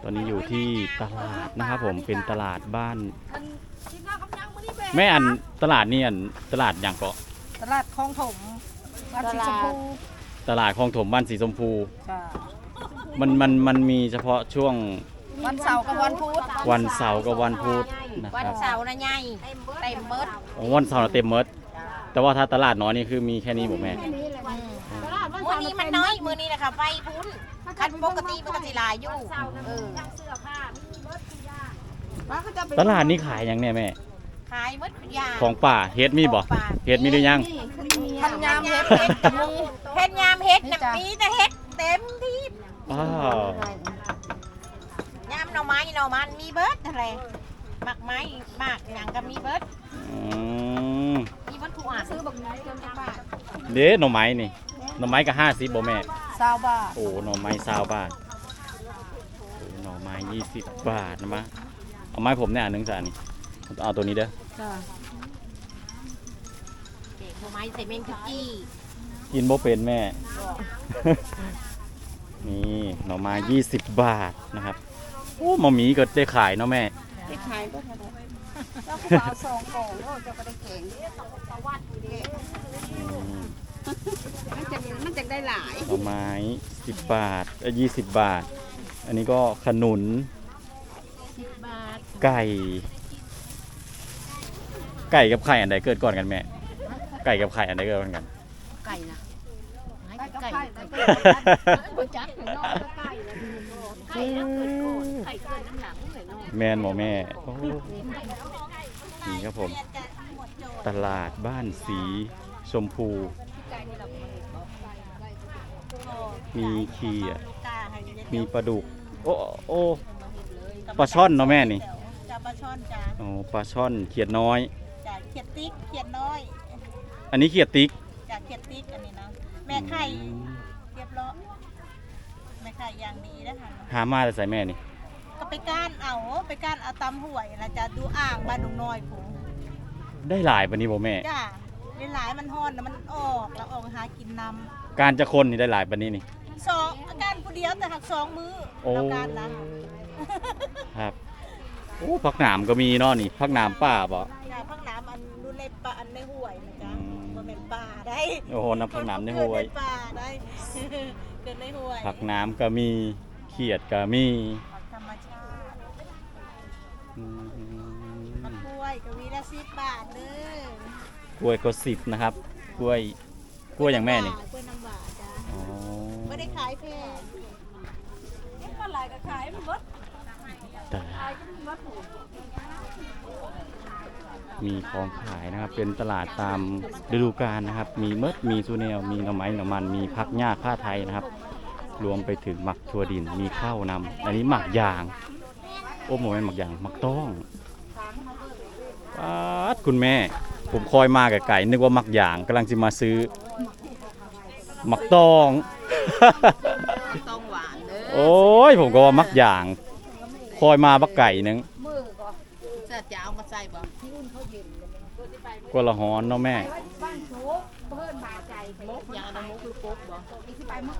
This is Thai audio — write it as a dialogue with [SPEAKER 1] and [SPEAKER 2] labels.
[SPEAKER 1] ตอนนี้อยู่ที่ตลาดนะครับผมเป็นตลาดบ้านแม่อันตลาดนี่อันตลาดอย่างเกาะ
[SPEAKER 2] ตลาดคลองถมบ้านสีชมพู
[SPEAKER 1] ตลาดคลองถมบ้านสีชมพู
[SPEAKER 2] จ้า
[SPEAKER 1] มันมีเฉพาะช่วง
[SPEAKER 2] วันเสาร์กับวันพุธ
[SPEAKER 1] วันเสาร์กับวันพุธนะ
[SPEAKER 3] วัน
[SPEAKER 1] ครับ
[SPEAKER 3] เสาร์นะยายเต็มเบิด
[SPEAKER 1] อ๋อวันเสาร์น่ะเต็มหมดแต่ว่าถ้าตลาดน้อยนี่คือมีแค่นี้ผมแม่
[SPEAKER 3] มื้อนี้มันน้อยมื้อนี้นะคะไปพุ้นคันปกติมันก็สิหลายอยู่
[SPEAKER 1] ตลาดนี้ขายอย่างเนี่ยแม่
[SPEAKER 3] ขายหมดทุกอย่าง
[SPEAKER 1] ของป่าเฮ็ดมีบ่เฮ็ดมีหรือยัง
[SPEAKER 2] พันยามเฮ็ด
[SPEAKER 3] เฮ็ดยามเฮ็ดน่ะมีแต่เฮ็ดเต็มที่
[SPEAKER 1] อ้าวย
[SPEAKER 3] ามหน่อไม้หน่อมันมีเบิดอะไรหมักไม้หมากหยังก็มีเบิด
[SPEAKER 1] อืม
[SPEAKER 3] มีเบิดทุกอันซื้อบักน้อยจนจะบาท
[SPEAKER 1] เด้หน่อไม้นี่หน่อไม้ก็50บ่แม่
[SPEAKER 2] 20 บาท
[SPEAKER 1] โอ้หน่อไม้20 บาทโอ้หน่อไม้20 บาทนะมะเอาไม้ผมเนี่ยอันหนึงจ้ะนี่เอาตัวนี้เด้อ
[SPEAKER 2] จ้า
[SPEAKER 3] เด็กหน่อไม้ใส่เมงคุกกี้
[SPEAKER 1] กินบ่เป็นแม่ นี่หน่อไม้20 บาทนะครับโอ้หมอหมีก็ได้ขายเนาะแม่
[SPEAKER 2] ไปขายบ่ทันได้เจ้าผู้บ่าว2กล่องโอ้เจ้าก็ได้แกง
[SPEAKER 1] อืม
[SPEAKER 2] มันจะได้หลาย
[SPEAKER 1] หน่อไม้10 บาท20 บาท อันนี้ก็ขนุน
[SPEAKER 3] 10 บาท
[SPEAKER 1] ไก่กับไข่อันใดเกิดก่อนกันแม่ไก่กับไข่อันใดเกิดก่อนกัน
[SPEAKER 3] ไก่นะไก่บ่จักถึงนอกไก่นะไก่แล้วเกิดก่อนไก่เกิดน้ำหลังเลยเนาะ
[SPEAKER 1] แมนหมอแม่โอ้นี่ครับผม ตลาดบ้านสีชมพู มีเขียดมีปลาดุก โอ้ปลาช่อนเนาะแม่นี่
[SPEAKER 3] จ้าปลาช่อนจ้า
[SPEAKER 1] โอ้ปลาช่อนเขียดน้อย
[SPEAKER 3] จ้าเขียดติ๊กเขียดน้อย
[SPEAKER 1] อันนี้เขียดติ๊ก
[SPEAKER 3] จ้าเขียดติ๊กอันนี้นะแม่ไข่เรียบร้อยแม่ไข่อย่างดีนะคะ
[SPEAKER 1] หามาแต่ใส่แม่นี่
[SPEAKER 3] ก็ไปก้านเอาตำหวยนะจ้าดูอ่างบ้านดงน้อยผม
[SPEAKER 1] ได้หลายปะนี้บ่แม่
[SPEAKER 3] จ้าหลายๆมันฮ้อนนะมันออกแล้วออกหากินน
[SPEAKER 1] การจะคนนี่ได้หลายปะนี้นี่
[SPEAKER 3] ำสองอาการผู้เดียวแต่หัก2 มื้อ
[SPEAKER 1] โอ้
[SPEAKER 3] แล้วการนะ
[SPEAKER 1] ครับโอ้ผักหนามก็มีเนาะนี่ผักหนามป่าบ่
[SPEAKER 3] จ้าพักน้ำอันดูในปลาอันในห้วยนะจ้า
[SPEAKER 1] อืม
[SPEAKER 3] มันเป็นป่าได้
[SPEAKER 1] โอ้โหน้ำผักหนามในห้วย
[SPEAKER 3] เกิดในป่าได้ เกิดในห้วย
[SPEAKER 1] ผักน้ำก็มีเขียดก็มี
[SPEAKER 3] ผักธรรมชาติ
[SPEAKER 1] อืม
[SPEAKER 3] มะกล้วยกวีละ10 บาทเด้อก
[SPEAKER 1] ล้วยก็10นะครับกล้วยอย่างแม่นี่
[SPEAKER 3] กล้วยน้ำหวานจ้า
[SPEAKER 1] อ๋อ
[SPEAKER 3] ไม่ได้ขายแพง
[SPEAKER 1] แต่มีของขายนะครับ เป็นตลาดตามฤดูกาลนะครับ มีเมดมีซูเนลมีหน่อไม้หน่อมันมีผักหญ้าผ้าไทยนะครับ รวมไปถึงหมักถั่วดินมีข้าวนำอันนี้หมักยาง โอ้โหเป็นหมักยางหมักต้องป๊าดคุณแม่ ผมคอยมากับไก่นึกว่าหมักยางกำลังจะมาซื้อหมักต้อง
[SPEAKER 3] ต้องหวานเด้อ
[SPEAKER 1] โอ้ยผมก็ว่ามักอย่างคอยมาบักไก่หนึง
[SPEAKER 3] จะเอามาใส่บ่
[SPEAKER 1] กว่าละหอนเนาะแม่
[SPEAKER 3] อย่างอันนั้นมุกหรือปุ๊บบ่